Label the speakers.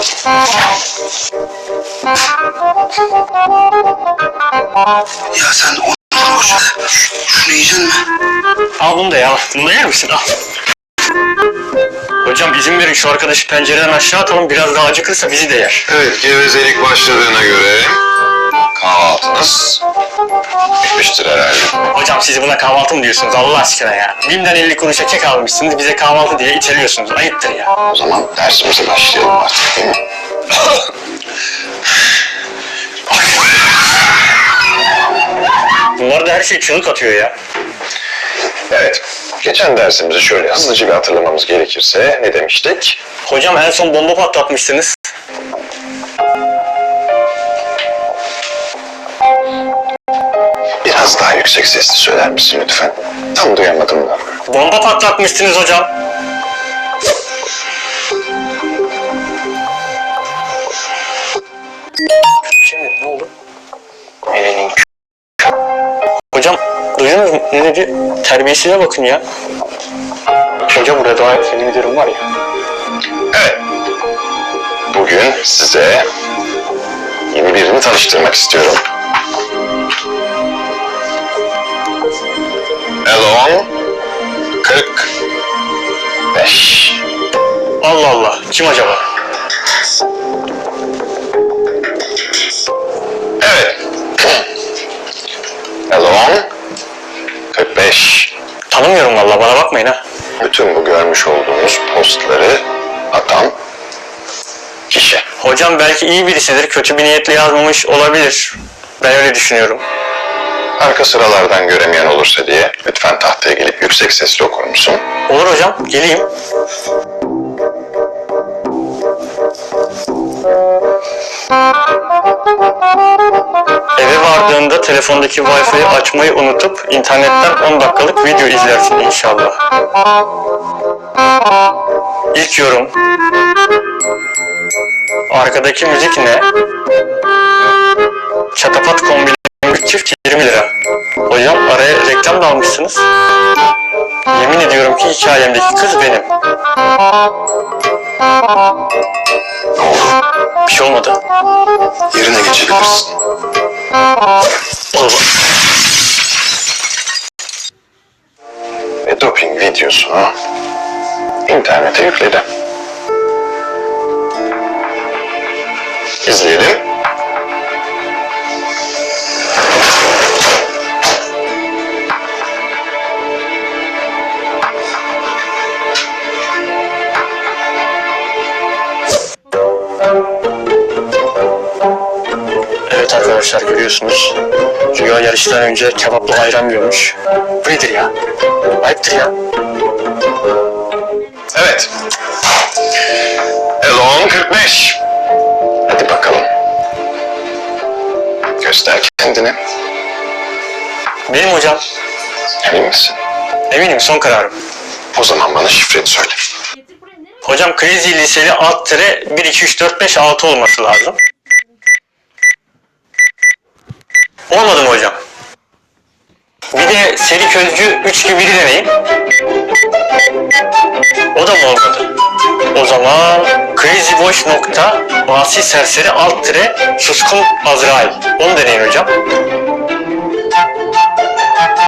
Speaker 1: Ya sen onu boş ver. Şunu yiyecek misin?
Speaker 2: Al bunu da ya. Bunu da yer misin? Al. Hocam izin verin şu arkadaşı pencereden aşağı atalım. Biraz daha acıkırsa bizi de yer.
Speaker 3: Evet, gevezelik başladığına göre kahvaltınız bitmiştir herhalde.
Speaker 2: Hocam siz buna kahvaltı mı diyorsunuz Allah aşkına ya? BİM'den 50 kuruşa kek almışsınız. Bize kahvaltı diye iteliyorsunuz. Ayıptır ya.
Speaker 3: O zaman dersimize başlayalım artık, değil mi?
Speaker 2: Bunlar da her şey çığlık atıyor ya.
Speaker 3: Evet, geçen dersimizi şöyle hızlıca bir hatırlamamız gerekirse ne demiştik?
Speaker 2: Hocam en son bomba patlatmıştınız.
Speaker 3: Biraz daha yüksek sesli söyler misin lütfen? Tam duyamadım da.
Speaker 2: Bomba patlatmıştınız hocam. Şimdi ne oldu?
Speaker 3: Elinin
Speaker 2: Hocam duydunuz mu? Ne dedi? Terbiyesize bakın ya. Hoca burada daha senin müdürün var ya.
Speaker 3: Evet. Bugün size yeni birini tanıştırmak istiyorum. Elon 45.
Speaker 2: Allah Allah. Kim acaba?
Speaker 3: Evet. Elon 45.
Speaker 2: Tanımıyorum vallahi, bana bakmayın ha.
Speaker 3: Bütün bu görmüş olduğunuz postları atan kişi.
Speaker 2: Hocam belki iyi birisidir. Kötü bir niyetle yazmamış olabilir. Ben öyle düşünüyorum.
Speaker 3: Arka sıralardan göremeyen olursa diye lütfen tahtaya gelip yüksek sesle okur musun?
Speaker 2: Olur hocam. Geleyim. Eve vardığında telefondaki Wi-Fi'yi açmayı unutup internetten 10 dakikalık video izlersin inşallah. İlk yorum. Arkadaki müzik ne? Çatapat kombinli çift 20 lira. Hocam araya reklam da almışsınız. Yemin ediyorum ki hikayemdeki kız benim.
Speaker 3: Ne oldu?
Speaker 2: Bir şey olmadı.
Speaker 3: Yerine geçebilirsin.
Speaker 2: Olur.
Speaker 3: Ve doping videosunu internete yükledi. İzleyelim.
Speaker 2: Evet arkadaşlar, görüyorsunuz. Rüya yarıştan önce kebapla ayran yiyormuş. Bu nedir ya? Ayıptır ya.
Speaker 3: Evet. Elon 45. Hadi bakalım. Göster kendini.
Speaker 2: Benim hocam.
Speaker 3: Emin misin?
Speaker 2: Eminim, son kararım.
Speaker 3: O zaman bana şifreni söyle.
Speaker 2: Hocam Crazy Liseli alt tire 1, 2, 3, 4, 5, 6 olması lazım. Olmadı mı hocam? Bir de seri közcü 3 gibi biri deneyim. O da mı olmadı? O zaman Crazy Boş nokta Asi Serseri alt tire Suskun Azrail. Onu deneyin hocam.